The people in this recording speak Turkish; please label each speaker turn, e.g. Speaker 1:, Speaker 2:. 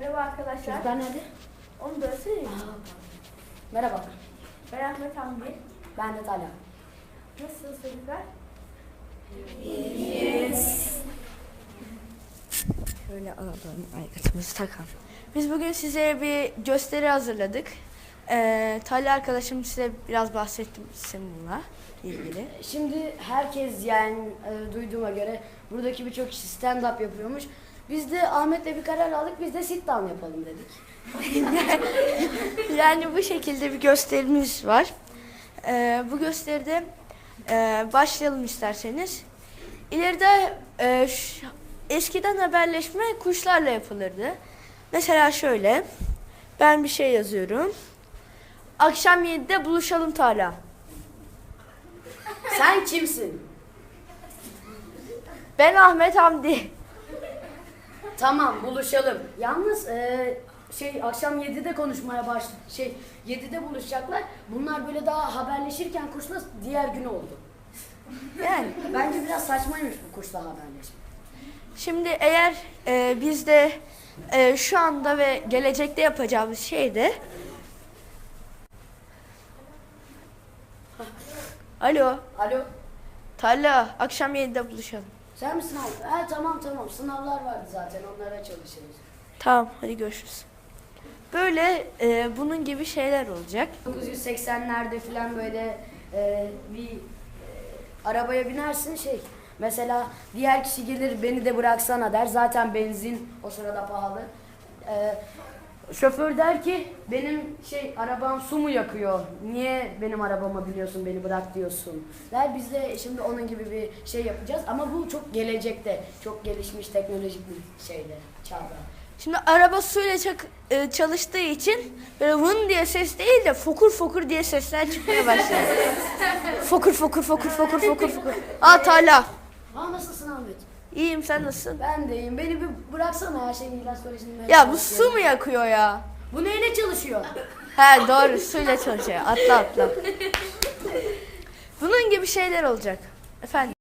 Speaker 1: Merhaba arkadaşlar.
Speaker 2: Çocuklar nerede?
Speaker 1: Onu da söyleyeyim.
Speaker 2: Merhaba.
Speaker 1: Ben Ahmet Hamdi.
Speaker 2: Ben de Talha.
Speaker 1: Nasılsınız çocuklar?
Speaker 3: Şöyle alalım aygıtımızı takalım. Biz bugün size bir gösteri hazırladık. Talha arkadaşım size biraz bahsetsin bununla ilgili.
Speaker 2: Şimdi herkes duyduğuma göre buradaki birçok kişi stand-up yapıyormuş. Biz de Ahmet'le bir karar aldık. Biz de sit-down yapalım dedik.
Speaker 3: Yani bu şekilde bir gösterimiz var. Bu gösteride başlayalım isterseniz. İleride eskiden haberleşme kuşlarla yapılırdı. Mesela şöyle, ben bir şey yazıyorum. Akşam 7'de buluşalım Talha.
Speaker 2: Sen kimsin?
Speaker 3: Ben Ahmet Hamdi.
Speaker 2: Tamam, buluşalım. Yalnız akşam 7'de konuşmaya başladı. 7'de buluşacaklar. Bunlar böyle daha haberleşirken kuşla diğer gün oldu.
Speaker 3: Yani
Speaker 2: Bence biraz saçmaymış bu kuşla haberleşme.
Speaker 3: şimdi eğer biz de şu anda ve gelecekte yapacağımız şey de Alo,
Speaker 2: Alo,
Speaker 3: Talha, akşam 7'de buluşalım.
Speaker 2: sen misin abi? Tamam. Sınavlar vardı zaten. Onlara çalışırız.
Speaker 3: Tamam, hadi görüşürüz. Böyle bunun gibi şeyler olacak.
Speaker 2: 1980'lerde falan böyle arabaya binersin mesela diğer kişi gelir beni de bıraksana der. Zaten benzin o sırada pahalı. Şoför der ki benim arabam su mu yakıyor? Niye benim arabama biniyorsun, beni bırak diyorsun der. Biz de şimdi onun gibi bir şey yapacağız ama bu çok gelecekte, çok gelişmiş teknolojik bir çağda.
Speaker 3: Şimdi araba suyla çalıştığı için böyle vın diye ses değil de fokur fokur diye sesler çıkmaya başladı. Fokur fokur fokur fokur fokur fokur. Aa Talha.
Speaker 2: Nasılsın Ahmet?
Speaker 3: İyiyim, sen nasılsın?
Speaker 2: Ben de iyiyim. Beni bir bıraksana ya İlyas Koleji'nin.
Speaker 3: Ya bu su mu yakıyor ya?
Speaker 2: Bu neyle çalışıyor?
Speaker 3: He doğru, suyla çalışıyor. Atla. Bunun gibi şeyler olacak. Efendim?